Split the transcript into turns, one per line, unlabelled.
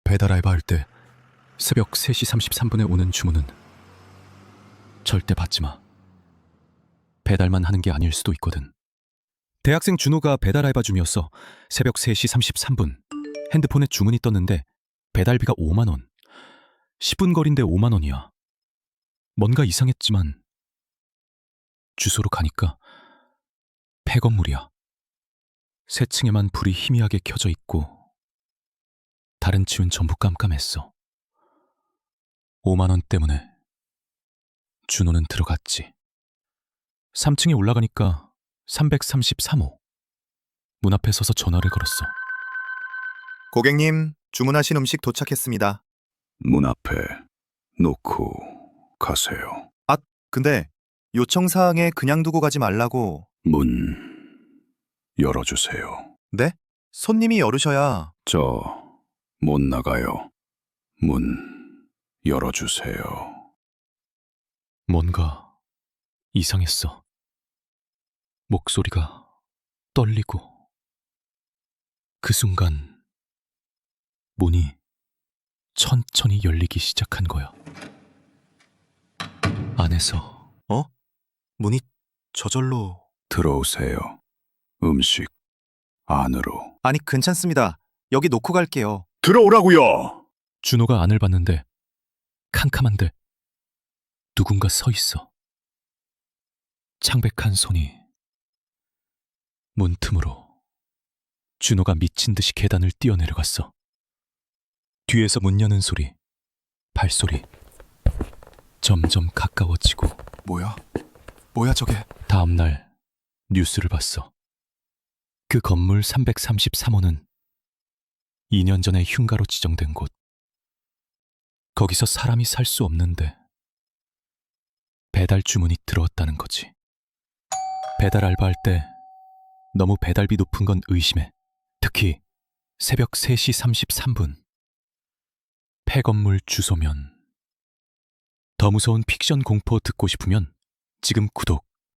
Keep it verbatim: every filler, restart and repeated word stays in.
배달 알바할 때 새벽 세 시 삼십삼 분에 오는 주문은 절대 받지 마. 배달만 하는 게 아닐 수도 있거든. 대학생 준호가 배달 알바 중이었어. 새벽 세 시 삼십삼 분 핸드폰에 주문이 떴는데 배달비가 오만 원. 십 분 거리인데 오만 원이야. 뭔가 이상했지만 주소로 가니까 폐건물이야. 세 층에만 불이 희미하게 켜져 있고 다른 층은 전부 깜깜했어. 오만 원 때문에 준호는 들어갔지. 삼 층에 올라가니까 삼백삼십삼 호. 문 앞에 서서 전화를 걸었어.
고객님, 주문하신 음식 도착했습니다.
문 앞에 놓고 가세요.
아, 근데 요청사항에 그냥 두고 가지 말라고.
문 열어주세요.
네? 손님이 열으셔야.
저 못 나가요. 문 열어주세요.
뭔가 이상했어. 목소리가 떨리고 그 순간 문이 천천히 열리기 시작한 거야. 안에서
어? 문이 저절로.
들어오세요. 음식 안으로.
아니, 괜찮습니다. 여기 놓고 갈게요.
들어오라고요.
준호가 안을 봤는데 캄캄한데 누군가 서 있어. 창백한 손이 문 틈으로. 준호가 미친 듯이 계단을 뛰어내려갔어. 뒤에서 문 여는 소리, 발소리 점점 가까워지고.
뭐야? 뭐야 저게?
다음 날 뉴스를 봤어. 그 건물 삼백삼십삼 호는 이 년 전에 흉가로 지정된 곳. 거기서 사람이 살 수 없는데 배달 주문이 들어왔다는 거지. 배달 알바할 때 너무 배달비 높은 건 의심해. 특히 새벽 세 시 삼십삼 분. 폐건물 주소면. 더 무서운 픽션 공포 듣고 싶으면 지금 구독,